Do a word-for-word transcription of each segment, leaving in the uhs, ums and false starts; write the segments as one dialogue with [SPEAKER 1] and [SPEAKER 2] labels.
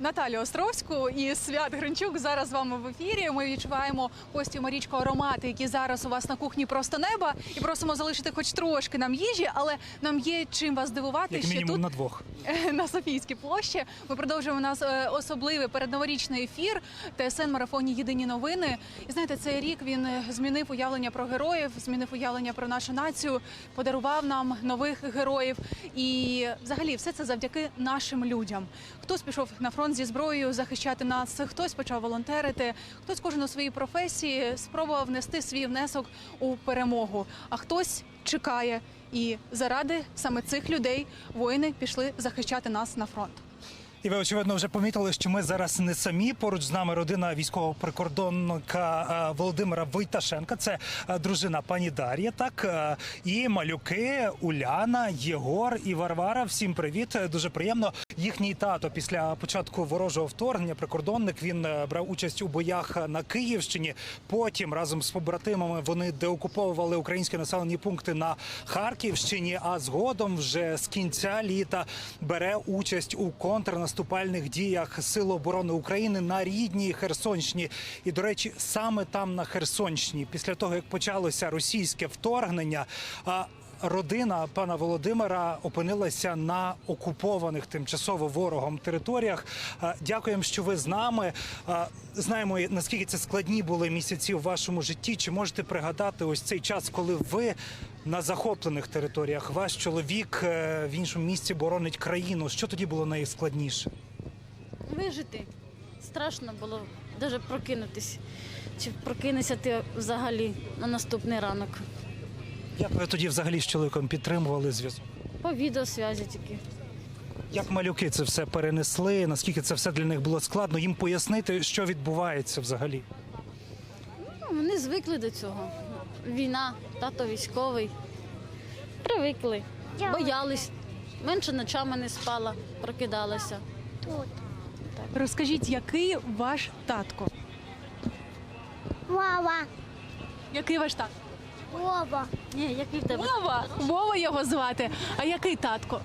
[SPEAKER 1] Наталю Островську і Свят Гринчук зараз з вами в ефірі. Ми відчуваємо Костю, Марічко, аромати, які зараз у вас на кухні просто неба. І просимо залишити хоч трошки нам їжі, але нам є чим вас здивувати.
[SPEAKER 2] Як
[SPEAKER 1] ще
[SPEAKER 2] мінімум
[SPEAKER 1] тут,
[SPEAKER 2] на двох.
[SPEAKER 1] на Софійській площі. Ми продовжуємо у нас е, особливий передноворічний ефір ТСН-марафоні «Єдині новини». І знаєте, цей рік він змінив уявлення про героїв, змінив уявлення про нашу націю, подарував нам нових героїв. І взагалі все це завдяки нашим людям. Хтось пішов на фронт зі зброєю захищати нас, хтось почав волонтерити, хтось кожен у своїй професії спробував внести свій внесок у перемогу, а хтось чекає. І заради саме цих людей воїни пішли захищати нас на фронт.
[SPEAKER 2] І ви, очевидно, вже помітили, що ми зараз не самі. Поруч з нами родина військового прикордонника Володимира Войташенка. Це дружина пані Дар'я, так, і малюки Уляна, Єгор і Варвара. Всім привіт, дуже приємно. Їхній тато після початку ворожого вторгнення, прикордонник, він брав участь у боях на Київщині. Потім разом з побратимами вони деокуповували українські населені пункти на Харківщині, а згодом вже з кінця літа бере участь у контрнаступальних діях Сил оборони України на рідній Херсонщині. І, до речі, саме там, на Херсонщині, після того, як почалося російське вторгнення, родина пана Володимира опинилася на окупованих тимчасово ворогом територіях. Дякуємо, що ви з нами. Знаємо, наскільки це складні були місяці в вашому житті. Чи можете пригадати ось цей час, коли ви на захоплених територіях, ваш чоловік в іншому місці боронить країну? Що тоді було найскладніше?
[SPEAKER 3] Вижити. Страшно було навіть прокинутися. Чи прокинешся ти взагалі на наступний ранок?
[SPEAKER 2] Як ви тоді взагалі з чоловіком підтримували зв'язок?
[SPEAKER 3] По відеосвязі тільки.
[SPEAKER 2] Як малюки це все перенесли? Наскільки це все для них було складно? Їм пояснити, що відбувається взагалі?
[SPEAKER 3] Ну, вони звикли до цього. Війна, тато військовий. Привикли. Боялись. Менше ночами не спала, прокидалася.
[SPEAKER 4] Тут.
[SPEAKER 1] Розкажіть, який ваш татко?
[SPEAKER 4] Вова.
[SPEAKER 1] Який ваш татко?
[SPEAKER 4] Вова.
[SPEAKER 3] Ні, який в тебе?
[SPEAKER 1] Вова! Вова його звати. А який татко?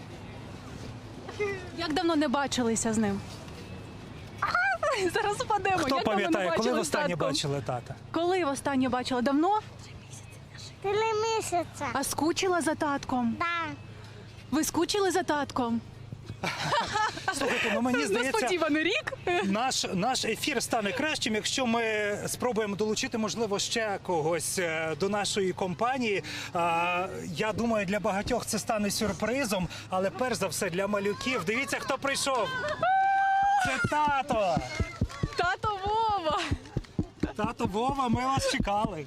[SPEAKER 1] Як давно не бачилися з ним? А, зараз впадемо.
[SPEAKER 2] Хто
[SPEAKER 1] Як давно не
[SPEAKER 2] пам'ятає, коли
[SPEAKER 1] бачились
[SPEAKER 2] востаннє
[SPEAKER 1] з татком?
[SPEAKER 2] бачили тата?
[SPEAKER 1] Коли востаннє бачила? Давно?
[SPEAKER 4] Три місяця.
[SPEAKER 1] А скучила за татком?
[SPEAKER 4] Да.
[SPEAKER 1] Ви скучили за татком?
[SPEAKER 2] Слухайте, ну мені здається,
[SPEAKER 1] Несподіваний рік.
[SPEAKER 2] наш, наш ефір стане кращим, якщо ми спробуємо долучити, можливо, ще когось е, до нашої компанії. А, я думаю, для багатьох це стане сюрпризом, але перш за все для малюків. Дивіться, хто прийшов. Це тато.
[SPEAKER 1] Тато Вова.
[SPEAKER 2] Тато Вова, ми вас чекали.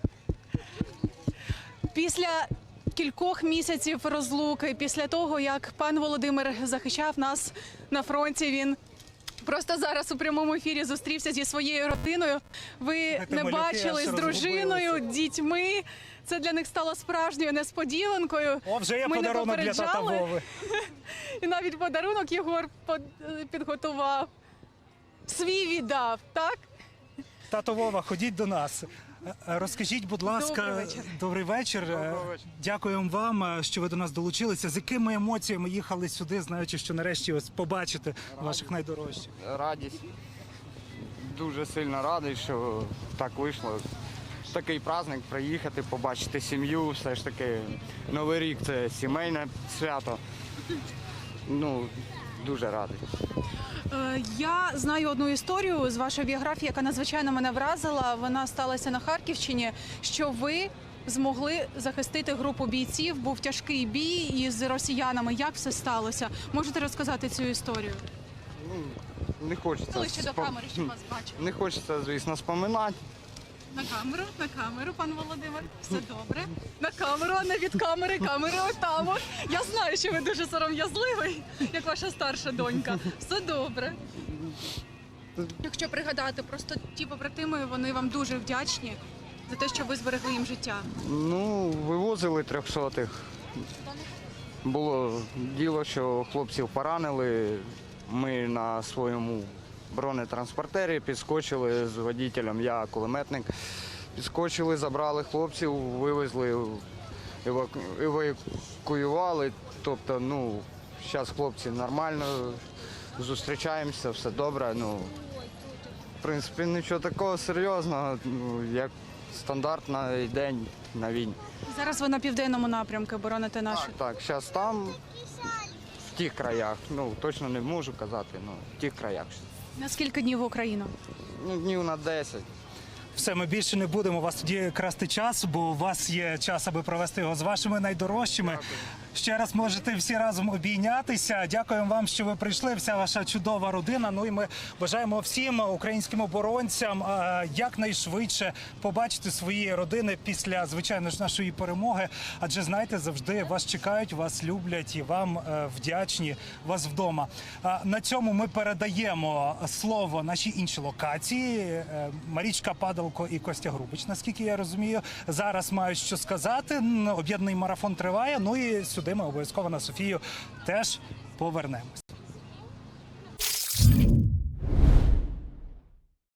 [SPEAKER 1] Після кількох місяців розлуки, після того, як пан Володимир захищав нас на фронті, він просто зараз у прямому ефірі зустрівся зі своєю родиною. Ви
[SPEAKER 2] Знаєте,
[SPEAKER 1] не
[SPEAKER 2] малюки
[SPEAKER 1] бачили
[SPEAKER 2] аж
[SPEAKER 1] з дружиною,
[SPEAKER 2] розгубилися.
[SPEAKER 1] дітьми. Це для них стало справжньою несподіванкою.
[SPEAKER 2] О, вже є
[SPEAKER 1] Ми не
[SPEAKER 2] подарунок для тата
[SPEAKER 1] попереджали.
[SPEAKER 2] Вови.
[SPEAKER 1] І навіть подарунок Єгор под- підготував. Свій віддав, так?
[SPEAKER 2] Тато Вова, ходіть до нас. Е, Розкажіть, будь ласка,
[SPEAKER 1] Добрий вечір.
[SPEAKER 2] добрий вечір. Е, Дякуємо вам, е, що ви до нас долучилися. З якими емоціями їхали сюди, знаючи, що нарешті ось побачите ваших найдорожчих?
[SPEAKER 5] Радість. Дуже сильно радий, що так вийшло. Такий праздник приїхати, побачити сім'ю, все ж таки Новий рік це сімейне свято. Ну, дуже радий.
[SPEAKER 1] Е, Я знаю одну історію з вашої біографії, яка надзвичайно мене вразила. Вона сталася на Харківщині, що ви змогли захистити групу бійців. Був тяжкий бій із росіянами. Як все сталося? Можете розказати цю історію?
[SPEAKER 5] Не хочеться,
[SPEAKER 1] Ближче до
[SPEAKER 5] спом-
[SPEAKER 1] камери, щоб вас бачили.
[SPEAKER 5] не хочеться, звісно, споминати.
[SPEAKER 1] На камеру, на камеру, пан Володимир. Все добре. На камеру, а не від камери. Камери отам. от. Я знаю, що ви дуже сором'язливий, як ваша старша донька. Все добре. Якщо пригадати, просто ті побратими, вони вам дуже вдячні за те, що ви зберегли їм життя.
[SPEAKER 5] Ну, вивозили трьохсотих. Було діло, що хлопців поранили. Ми на своєму бронетранспортері підскочили з водителем, я кулеметник. Підскочили, забрали хлопців, вивезли, еваку- евакуювали. Тобто, ну, зараз хлопці нормально зустрічаємося, все добре. Ну, в принципі, нічого такого серйозного, ну, як стандартний день на війні.
[SPEAKER 1] Зараз ви на південному напрямку бороните нашу.
[SPEAKER 5] Так, так, зараз там, в тих краях, ну точно не можу казати, ну в тих краях.
[SPEAKER 1] На скільки днів в Україну?
[SPEAKER 5] Ну, днів на десять.
[SPEAKER 2] Все, ми більше не будемо вас тоді красти час, бо у вас є час, аби провести його з вашими найдорожчими. Ще раз можете всі разом обійнятися. Дякуємо вам, що ви прийшли. Вся ваша чудова родина. Ну і ми бажаємо всім українським оборонцям е, якнайшвидше побачити свої родини після, звичайно ж, нашої перемоги. Адже знаєте, завжди вас чекають, вас люблять і вам е, вдячні вас вдома. А на цьому ми передаємо слово нашій іншій локації. Е, Марічка Падалко і Костя Грубич, наскільки я розумію, зараз мають що сказати. М, Об'єднаний марафон триває. Ну і сюди ми обов'язково на Софію теж повернемось.